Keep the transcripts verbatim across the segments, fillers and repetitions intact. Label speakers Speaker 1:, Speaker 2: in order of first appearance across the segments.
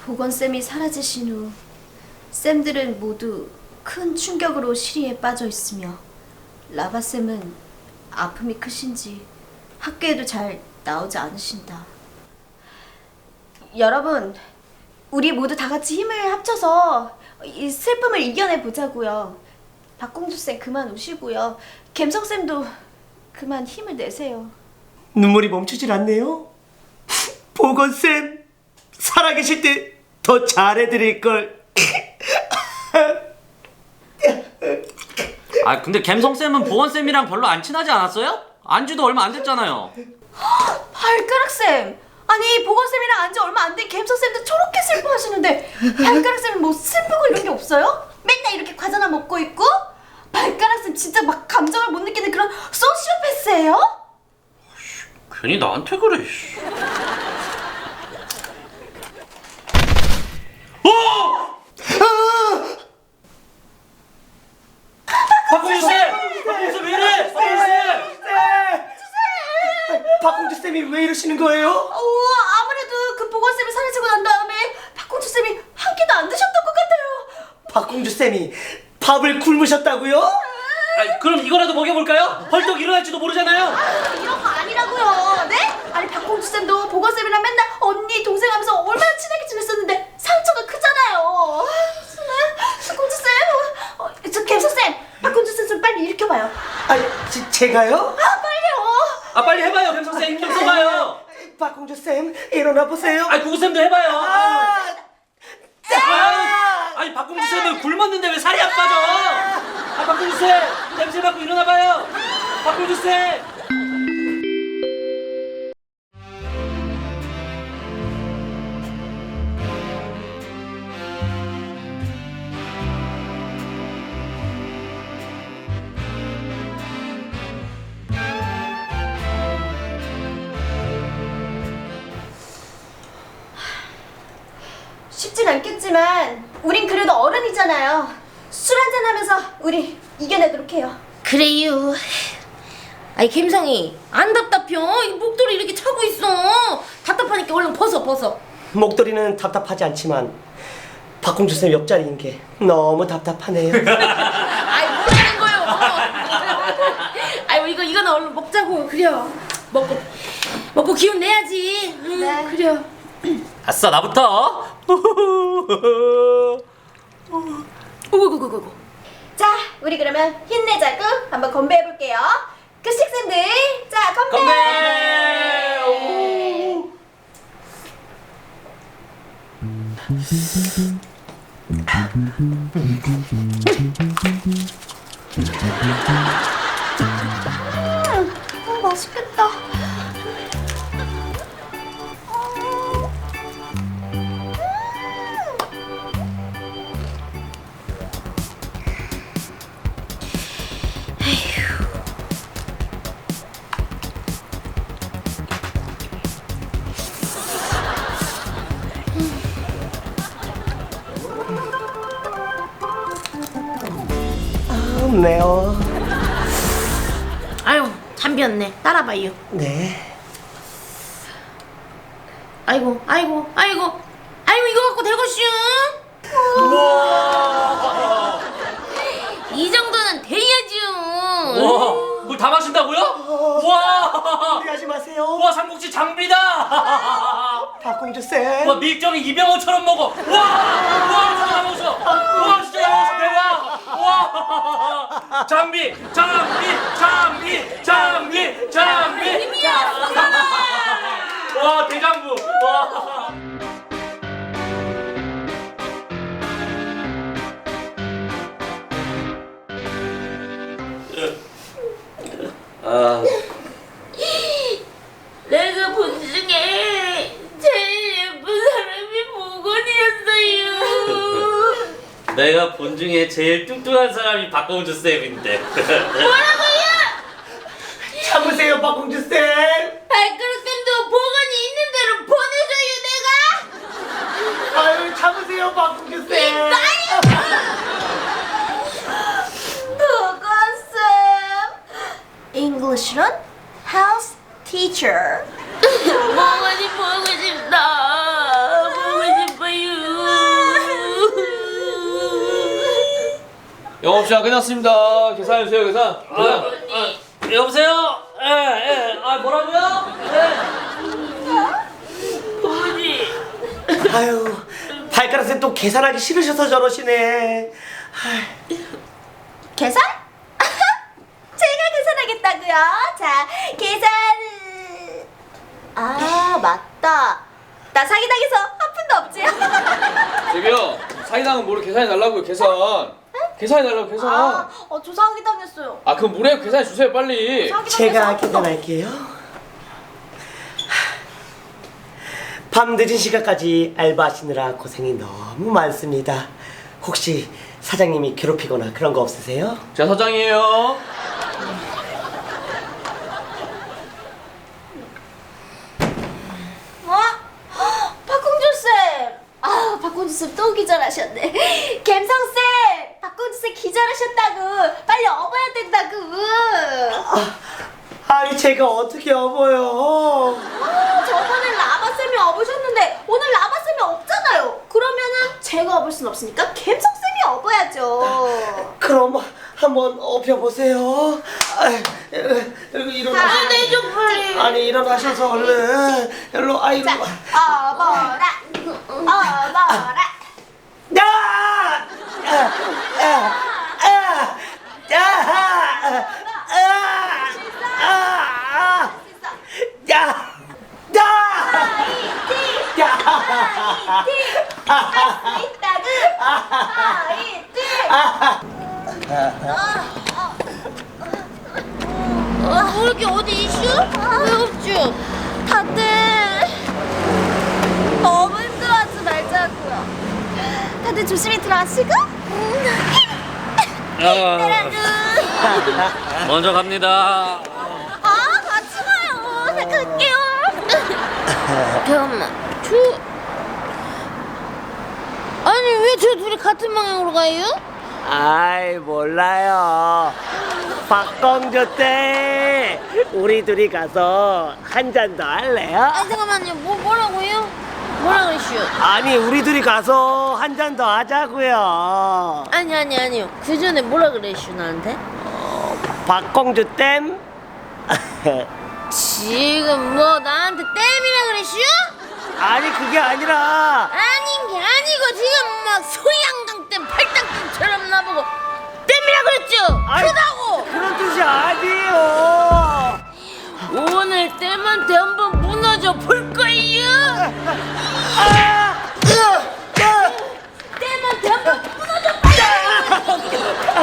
Speaker 1: 보건쌤이 사라지신 후 쌤들은 모두 큰 충격으로 시리에 빠져 있으며 라바쌤은 아픔이 크신지 학교에도 잘 나오지 않으신다. 여러분, 우리 모두 다 같이 힘을 합쳐서 이 슬픔을 이겨내 보자고요. 박공주쌤 그만 우시고요. 갬성쌤도 그만 힘을 내세요.
Speaker 2: 눈물이 멈추질 않네요. 보건쌤 살아계실 때 더 잘해드릴걸.
Speaker 3: 아 근데 갬성쌤은 보건쌤이랑 별로 안 친하지 않았어요? 안지도 얼마 안 됐잖아요.
Speaker 1: 발가락쌤! 아니 보건쌤이랑 안지 얼마 안 된 갬성쌤도 저렇게 슬퍼하시는데 발가락쌤은 뭐 슬프고 이런 게 없어요? 맨날 이렇게 과자나 먹고 있고? 발가락쌤 진짜 막 감정을 못 느끼는 그런 소시오패스예요?
Speaker 3: 괜히 나한테 그래. 박공주쌤! 박공주쌤 왜 이래? 박공주쌤!
Speaker 2: 박공주쌤이 왜 이러시는 거예요?
Speaker 1: 어, 아무래도 그 보건쌤이 사라지고 난 다음에 박공주쌤이 한 끼도 안 드셨던 것 같아요.
Speaker 2: 박공주쌤이 밥을 굶으셨다고요?
Speaker 3: 아니, 그럼 이거라도 먹여볼까요? 헐떡 일어날지도 모르잖아요.
Speaker 1: 이런 거 아니라고요. 네? 아니 박공주쌤도 보건쌤이랑 맨날 언니 동생 하면서 얼마나 친하게 지냈었는데 상처가 크잖아요. 박공주쌤, 어, 저 갬성쌤, 박공주쌤 좀 빨리 일으켜봐요.
Speaker 2: 아, 지, 제가요?
Speaker 1: 아 빨리요.
Speaker 3: 아 빨리 해봐요, 갬성쌤. 힘좀 써봐요.
Speaker 2: 박공주쌤 일어나 보세요.
Speaker 3: 아니 구구쌤도 해봐요.
Speaker 2: 아,
Speaker 3: 아, 아니 박공주쌤은 굶었는데 왜 살이 안 빠져? 아 박공주쌤 냄새 맡고 일어나봐요. 박공주쌤.
Speaker 1: 쉽진 않겠지만 우린 그래도 어른이잖아요. 술 한잔 하면서 우리 이겨내도록 해요.
Speaker 4: 그래요. 아이 갬성이 안 답답혀? 이 목도리 이렇게 차고 있어. 답답하니까 얼른 벗어 벗어.
Speaker 2: 목도리는 답답하지 않지만 박공주쌤 옆자리인 게 너무 답답하네요.
Speaker 4: 아이 뭐라는 거요? 아이 이거 이거는 얼른 먹자고. 그래요. 먹고 먹고 기운 내야지. 응,
Speaker 1: 네.
Speaker 4: 그래요.
Speaker 3: 아싸 나부터.
Speaker 4: 오구구구구.
Speaker 1: 자, 우리 그러면 힘내자고 한번 건배해볼게요. 그 식생들, 자 건배!
Speaker 3: 건배! 오.
Speaker 1: 음, 맛있겠다.
Speaker 2: 아, 매워.
Speaker 4: 아유 잠비었네. 따라봐요.
Speaker 2: 네.
Speaker 4: 아이고 아이고 아이고 아이고 이거 갖고 되겠슈? 이 정도는 돼야죠.
Speaker 3: 와, 물 다 마신다고요? 와,
Speaker 2: 무리하지 마세요.
Speaker 3: 와 삼국지 장비다.
Speaker 2: 박공주쌤.
Speaker 3: 와 밀정이 이병헌처럼 먹어. 와, 와 진짜 다 먹었어. 와 진짜 다 먹었어. 대박. 와, 장비, 장비, 장비, 장비, 장비. 와 대장부. 와. 아.
Speaker 4: 내가 본 중에 제일 예쁜 사람이 보건이었어요.
Speaker 3: 내가 본 중에 제일 뚱뚱한 사람이 박공주 쌤인데.
Speaker 4: 뭐라고요?
Speaker 2: 참으세요, 박공주쌤.
Speaker 4: 발가락쌤도 보건이 있는 대로 보내줘요 내가.
Speaker 2: 아유, 참으세요, 박공주쌤.
Speaker 1: 보건쌤. English론 house teacher.
Speaker 4: 보건이 보고 싶다. 보고 싶어요.
Speaker 5: 영업 시간 끝났습니다. 계산해 주세요. 계산.
Speaker 3: 아,
Speaker 5: 계산.
Speaker 3: 아, 여보세요? 예, 예. 아, 뭐라고요? 예.
Speaker 2: 아유, 발가락쌤 또 계산하기 싫으셔서 저러시네.
Speaker 1: 계산? 제가 계산하겠다고요? 자, 계산은... 아, 맞다. 나 사기당해서 한 푼도 없지?
Speaker 5: 저기요. 사기당은 뭐를 계산해 달라고요. 계산. 계산해 달라고 계산.
Speaker 1: 아, 어, 저 사기당했어요.
Speaker 5: 아 그럼 뭐래요? 계산해 주세요 빨리.
Speaker 1: 사기당해서
Speaker 2: 제가
Speaker 1: 한 푼도
Speaker 2: 계산할게요. 밤 늦은 시간까지 알바하시느라 고생이 너무 많습니다. 혹시 사장님이 괴롭히거나 그런 거 없으세요?
Speaker 5: 제가 사장이에요.
Speaker 1: 어? 박공주쌤! 아, 박공주쌤 또 기절하셨네. 갬성쌤! 박공주쌤 기절하셨다고! 빨리 업어야 된다고!
Speaker 2: 아니 제가 어떻게 업어요?
Speaker 1: 아, 저번에 라바쌤이 업으셨는데 오늘 라바쌤이 없잖아요. 그러면은 제가 업을 순 없으니까 갬성쌤이 업어야죠.
Speaker 2: 그럼 한번 업혀보세요. 아이, 일어나셔.
Speaker 1: 아, 네, 좀 빨리.
Speaker 2: 아니 일어나셔서 얼른 일로 아이로.
Speaker 1: 자, 업어라! 업어라!
Speaker 2: 야! 야! 야! 야! 야! 아! 야! 야!
Speaker 1: 화이팅!
Speaker 2: 야!
Speaker 1: 화이팅! 할 수 있다구! 화이팅!
Speaker 4: 어, 뭐 이렇게 어디 이슈? 왜 없죠?
Speaker 1: 다들 너무 힘들어하지 말자고요. 다들 조심히 들어가시고.
Speaker 3: 아, 먼저 갑니다.
Speaker 1: 아, 같이 가요. 나 갈게요.
Speaker 4: 잠깐만, 저 아니 왜 저 둘이 같은 방향으로 가요?
Speaker 2: 아이 몰라요. 박광조 때 우리 둘이 가서 한 잔 더 할래요?
Speaker 4: 아니 잠깐만요, 뭐 뭐라고요? 뭐라 그랬슈?
Speaker 2: 아니 우리 둘이 가서 한 잔 더 하자고요.
Speaker 4: 아니 아니 아니요. 그 전에 뭐라 그랬슈 나한테?
Speaker 2: 박광조 댐.
Speaker 4: 지금 뭐 나한테 땜이라 그랬슈?
Speaker 2: 아니 그게 아니라
Speaker 4: 아닌 게 아니고 지금 막 소양강 댐, 팔당댐처럼 나보고 땜이라 그랬죠?
Speaker 2: 아이,
Speaker 4: 크다고!
Speaker 2: 그런 뜻이 아니에요.
Speaker 4: 오늘 땜한테 한번 무너져 볼 거예요.
Speaker 2: 아! 으! 으!
Speaker 4: 땜한테 한번 무너져 봐요.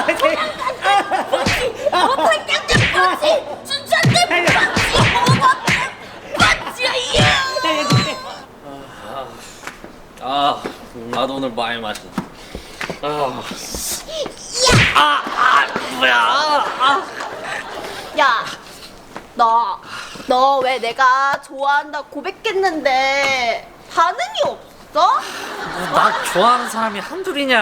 Speaker 4: 어, 팔당댐 빠지, 춘천댐 빠지, 오버댐 빠지요.
Speaker 3: 아, 나도 오늘 많이 마신다. 아,
Speaker 2: 아, 아, 뭐야? 아.
Speaker 1: 야, 너, 너 왜 내가 좋아한다 고백했는데 반응이 없어?
Speaker 3: 나 좋아하는 사람이 한둘이냐?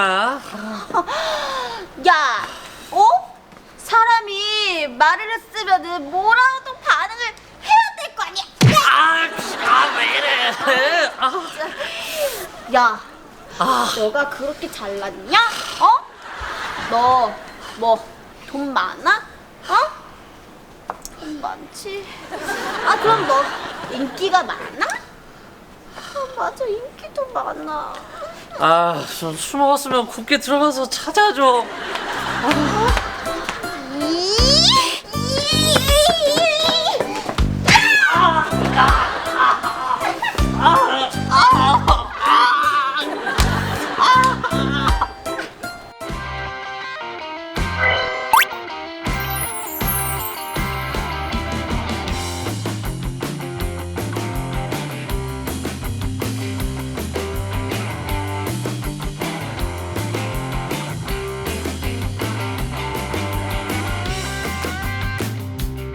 Speaker 1: 야, 어? 사람이 말을 했으면은 뭐라도 반응을 해야 될 거 아니야?
Speaker 3: 아, 아, 왜 이래? 아,
Speaker 1: 야,
Speaker 3: 아,
Speaker 1: 너가 그렇게 잘났냐? 어? 너 뭐 돈 많아? 어? 돈 많지. 아, 그럼 너 인기가 많아? 아, 맞아, 인기도 많아.
Speaker 3: 아, 좀 술 먹었으면 곱게 들어가서 찾아줘. 아,